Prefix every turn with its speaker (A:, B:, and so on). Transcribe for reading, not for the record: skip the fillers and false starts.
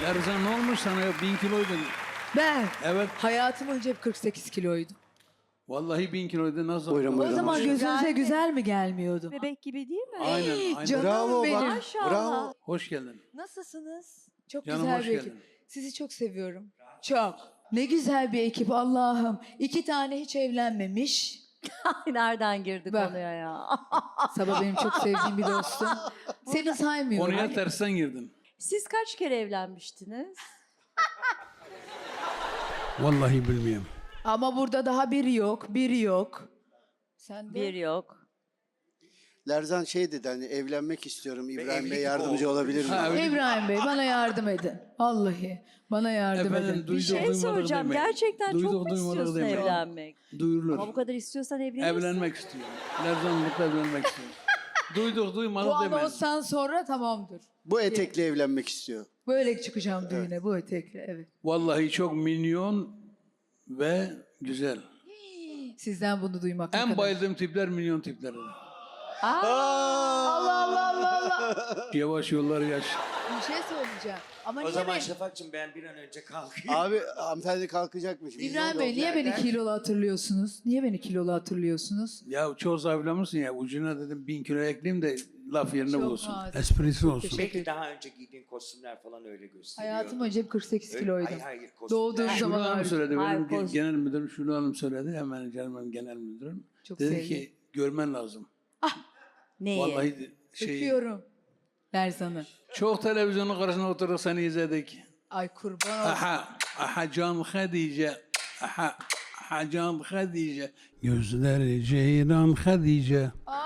A: Lerzan ne olmuş sana ya? 1000 kiloydun.
B: Ben
A: Evet.
B: hayatım önce hep 48 kiloydum.
A: Vallahi 1000 kiloydun. Nasıl?
C: Buyurun,
B: O
C: buyurun.
B: zaman
C: Hoş-
B: gözünüze
D: Güzel mi?
B: güzel mi gelmiyordum?
D: Bebek gibi değil mi?
A: Aynen, aynen.
B: Canım
C: Bravo
B: benim.
C: bak.
D: Maşallah.
C: Bravo.
A: Hoş geldin.
B: Nasılsınız? Çok
A: Canım,
B: güzel
A: hoş
B: bir ekip.
A: geldin.
B: Sizi çok seviyorum. Çok. Ne güzel bir ekip Allah'ım. 2 tane hiç evlenmemiş.
D: Ay, nereden girdi
B: Bak.
D: konuya ya?
B: Sabah benim çok sevdiğim bir dostum. Seni saymıyorum.
A: Konuya tersten girdin.
D: Siz kaç kere evlenmiştiniz?
A: Vallahi bilmiyorum.
B: Ama burada daha biri yok, biri yok. Sen de?
D: Bir yok.
C: Lerzan şey dedi hani evlenmek istiyorum. İbrahim Bey
E: evlilik
C: yardımcı
E: oldu.
C: olabilir mi?
A: Ha, öyle-
B: İbrahim Bey bana yardım edin. Vallahi bana yardım
A: Efendim,
B: edin.
A: duyduk,
D: Şey
A: duymadık
D: soracağım.
A: demeyin.
D: Gerçekten çok
A: Duyduk,
D: mu
A: duymadık
D: istiyorsun
A: demeyin.
D: evlenmek?
A: Duyurulur.
D: Ama bu kadar istiyorsan evlenirsin.
A: Evlenmek istiyorum. Lerzanlıkla evlenmek istiyorum. Duyduk, duymadık
B: Bu
A: demeyin.
B: anonstan sonra tamamdır.
C: Bu etekle evlenmek istiyor.
B: Böyle çıkacağım düğüne bu etekle evet.
A: Vallahi çok minyon ve güzel.
B: Sizden bunu duymak ne
A: En
B: kadar-
A: bayıldığım tipler minyon tipleri.
B: Allah Allah Allah Allah.
A: Yavaş yollar yaş.
B: Bir şey söyleyeceğim. Ama
E: O
B: niye
E: zaman
B: beni...
E: Şafak'cığım ben bir an önce kalkayım.
C: Abi hanımefendi kalkacakmış.
B: İbrahim Bey niye beni kilolu hatırlıyorsunuz? Niye beni kilolu hatırlıyorsunuz?
A: Ya çoğu zayıflamışsın ya. Ucuna dedim 1000 kilo ekleyeyim de laf yerine
B: Çok
A: bulsun.
B: nazik.
A: Esprisi olsun.
B: Teşekkür
E: Belki
B: ederim.
E: daha önce giydiğin kostümler falan öyle gösteriyor.
B: Hayatım önce hep 48 kiloydum.
E: Hayır hayır kostümler.
B: Doğduğum
A: Şule
B: zaman
A: Hanım
B: hariç.
A: söyledi.
D: Hayır,
A: Benim
D: koz-
A: genel müdürüm Şule Hanım söyledi. Hemen canım genel müdürüm.
B: Çok
A: Dedi
B: sevdim.
A: ki görmen lazım.
D: Neyi?
A: Vallahi
B: Öpüyorum. Lerzan'ı.
A: çok televizyonun karşısına oturduk seni izledik.
B: Ay kurban olsun.
A: Aha can Hadice. Aha can Hadice. Gözleri ceyran Hadice.